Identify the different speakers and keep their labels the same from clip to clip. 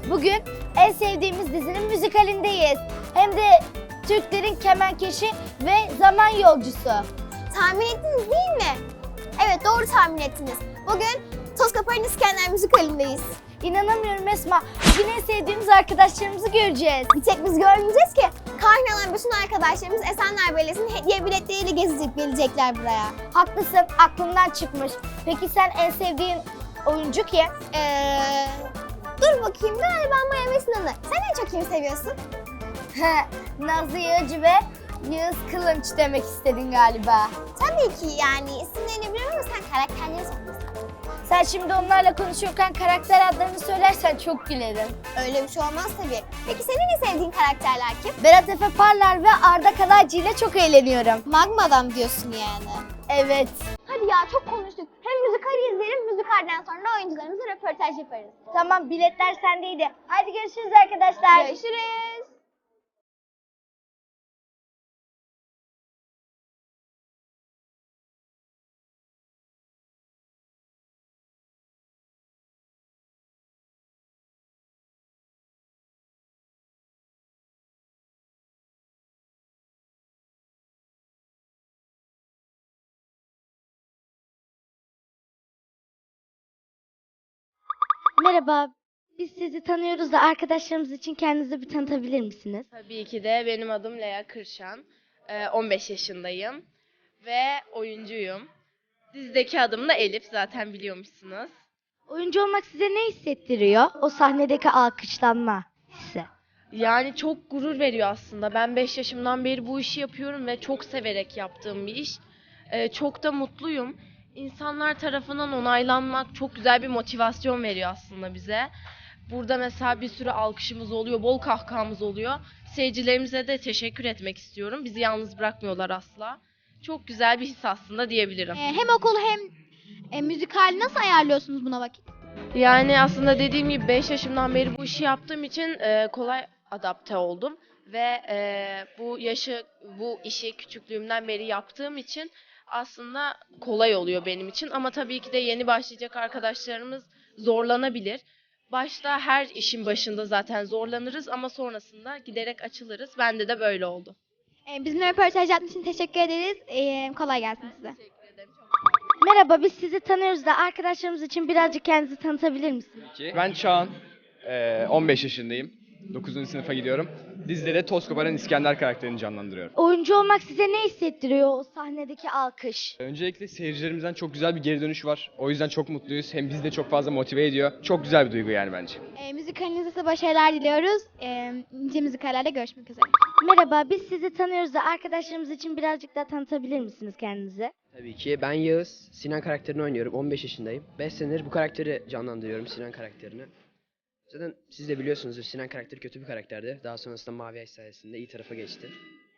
Speaker 1: Bugün en sevdiğimiz dizinin müzikalindeyiz. Hem de Türklerin kemenkeşi ve zaman yolcusu.
Speaker 2: Tahmin ettiniz değil mi? Evet, doğru tahmin ettiniz. Bugün Toz Koparan İskender müzikalindeyiz.
Speaker 1: İnanamıyorum Esma. Bugün en sevdiğimiz arkadaşlarımızı göreceğiz.
Speaker 2: Bir tek biz görmeyeceğiz ki. Kahraman bütün arkadaşlarımız Esenler Belediyesi'nin hediye biletleriyle gelecekler buraya.
Speaker 1: Haklısın, aklımdan çıkmış. Peki sen en sevdiğin oyuncu kim?
Speaker 2: Dur bakayım, galiba Maya ve Sinan'ı. Sen en çok kimi seviyorsun?
Speaker 1: Nazlı Yağcı ve Yağız Kılınç demek istedin galiba.
Speaker 2: Tabii ki yani isimlerini biliyorum ama sen karakterleri sormasın.
Speaker 1: Sen şimdi onlarla konuşurken karakter adlarını söylersen çok gülerim.
Speaker 2: Öyle bir şey olmaz tabii. Peki senin en sevdiğin karakterler kim?
Speaker 1: Berat Efe Parlar ve Arda Kalaycı ile çok eğleniyorum.
Speaker 2: Magma'dan diyorsun yani.
Speaker 1: Evet.
Speaker 2: Hadi ya, çok konuştuk. Hem müzikali izleyelim, müzikalden sonra oyuncularımızla röportaj yaparız.
Speaker 1: Tamam, biletler sendeydi. Hadi görüşürüz arkadaşlar.
Speaker 2: Görüşürüz.
Speaker 1: Merhaba, biz sizi tanıyoruz da arkadaşlarımız için kendinizi bir tanıtabilir misiniz?
Speaker 3: Tabii ki de benim adım Lea Kırşan. 15 yaşındayım ve oyuncuyum. Dizideki adım da Elif, zaten biliyormuşsunuz.
Speaker 1: Oyuncu olmak size ne hissettiriyor? O sahnedeki alkışlanma hissi.
Speaker 3: Yani çok gurur veriyor aslında. Ben 5 yaşımdan beri bu işi yapıyorum ve çok severek yaptığım bir iş. Çok da mutluyum. İnsanlar tarafından onaylanmak çok güzel bir motivasyon veriyor aslında bize. Burada mesela bir sürü alkışımız oluyor, bol kahkahamız oluyor. Seyircilerimize de teşekkür etmek istiyorum. Bizi yalnız bırakmıyorlar asla. Çok güzel bir his aslında diyebilirim.
Speaker 2: Hem okulu hem müzikal nasıl ayarlıyorsunuz buna vakit?
Speaker 3: Yani aslında dediğim gibi 5 yaşımdan beri bu işi yaptığım için kolay adapte oldum. Ve bu işi küçüklüğümden beri yaptığım için aslında kolay oluyor benim için. Ama tabii ki de yeni başlayacak arkadaşlarımız zorlanabilir. Başta her işin başında zaten zorlanırız ama sonrasında giderek açılırız. Bende de böyle oldu.
Speaker 2: Bizimle röportaj yaptığınız için teşekkür ederiz. Kolay gelsin size.
Speaker 1: Merhaba, biz sizi tanıyoruz da arkadaşlarımız için birazcık kendinizi tanıtabilir misiniz?
Speaker 4: Ben Çağan, 15 yaşındayım, 9. sınıfa gidiyorum. Dizide de Toz Koparan İskender karakterini canlandırıyorum.
Speaker 1: Oyuncu olmak size ne hissettiriyor o sahnedeki alkış?
Speaker 4: Öncelikle seyircilerimizden çok güzel bir geri dönüş var. O yüzden çok mutluyuz. Hem bizi de çok fazla motive ediyor. Çok güzel bir duygu yani bence.
Speaker 2: Müzikalinizde size başarılar diliyoruz. Nice müzikallerde görüşmek üzere.
Speaker 1: Merhaba, biz sizi tanıyoruz da arkadaşlarımız için birazcık daha tanıtabilir misiniz kendinizi?
Speaker 5: Tabii ki. Ben Yağız. Sinan karakterini oynuyorum. 15 yaşındayım. 5 senedir bu karakteri canlandırıyorum. Sinan karakterini. Zaten siz de biliyorsunuzdur, Sinan karakteri kötü bir karakterdi. Daha sonrasında Mavi Ay sayesinde iyi tarafa geçti.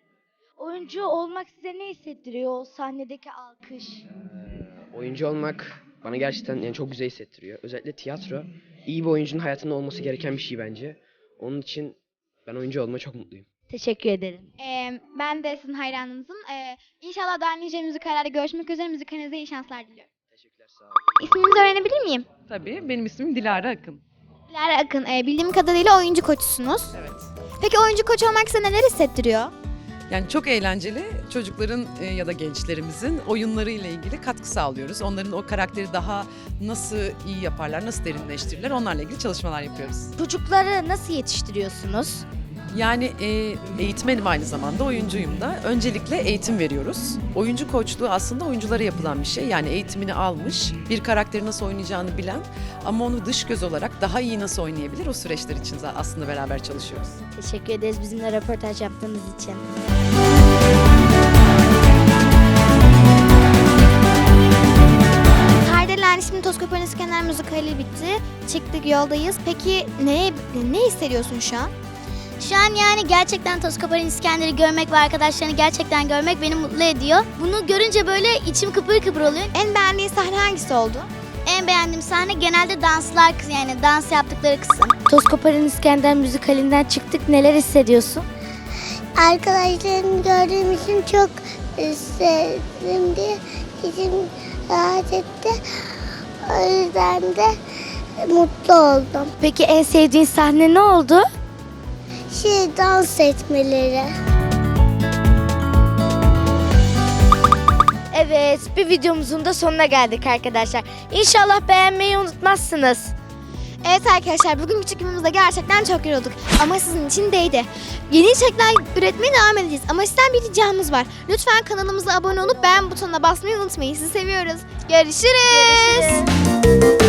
Speaker 1: Oyuncu olmak size ne hissettiriyor o sahnedeki alkış?
Speaker 5: Oyuncu olmak bana gerçekten yani çok güzel hissettiriyor. Özellikle tiyatro iyi bir oyuncunun hayatında olması gereken bir şey bence. Onun için ben oyuncu olmaya çok mutluyum.
Speaker 1: Teşekkür ederim.
Speaker 2: Ben de sizin hayranınızım. İnşallah daha nice müzikallerde görüşmek üzere. Müzikalinize iyi şanslar diliyorum.
Speaker 5: Teşekkürler, sağ olun.
Speaker 2: İsminizi öğrenebilir miyim?
Speaker 6: Tabii, benim ismim Dilara Akın.
Speaker 2: Dilara Akın. Bildiğim kadarıyla oyuncu koçusunuz.
Speaker 6: Evet.
Speaker 2: Peki oyuncu koçu olmak size neler hissettiriyor?
Speaker 6: Yani çok eğlenceli, çocukların ya da gençlerimizin oyunları ile ilgili katkı sağlıyoruz. Onların o karakteri daha nasıl iyi yaparlar, nasıl derinleştirirler, onlarla ilgili çalışmalar yapıyoruz.
Speaker 1: Çocukları nasıl yetiştiriyorsunuz?
Speaker 6: Yani eğitmenim, aynı zamanda oyuncuyum da. Öncelikle eğitim veriyoruz. Oyuncu koçluğu aslında oyunculara yapılan bir şey. Yani eğitimini almış, bir karakteri nasıl oynayacağını bilen ama onu dış göz olarak daha iyi nasıl oynayabilir, o süreçler için aslında beraber çalışıyoruz.
Speaker 1: Teşekkür ederiz bizimle röportaj yaptığınız için.
Speaker 2: Kardelen şimdi Toz Koparan İskender müzikali bitti. Çıktık, yoldayız. Peki ne hissediyorsun şu an?
Speaker 7: Şu an yani gerçekten Toz Koparan İskender'i görmek ve arkadaşlarını gerçekten görmek beni mutlu ediyor. Bunu görünce böyle içim kıpır kıpır oluyor.
Speaker 2: En beğendiğin sahne hangisi oldu?
Speaker 7: En beğendiğim sahne genelde danslar, yani dans yaptıkları kısım.
Speaker 1: Toz Koparan İskender müzikalinden çıktık. Neler hissediyorsun?
Speaker 8: Arkadaşlarımı gördüğüm için çok sevdim diye içim rahat etti. O yüzden de mutlu oldum.
Speaker 1: Peki en sevdiğin sahne ne oldu?
Speaker 8: Dans etmeleri.
Speaker 1: Evet, bir videomuzun da sonuna geldik arkadaşlar. İnşallah beğenmeyi unutmazsınız.
Speaker 2: Evet arkadaşlar, bugünkü çekimimizde gerçekten çok yorulduk ama sizin için değdi. Yeni içerikler üretmeye devam edeceğiz ama sizden bir ricamız var. Lütfen kanalımıza abone olup beğen butonuna basmayı unutmayın. Sizi seviyoruz. Görüşürüz.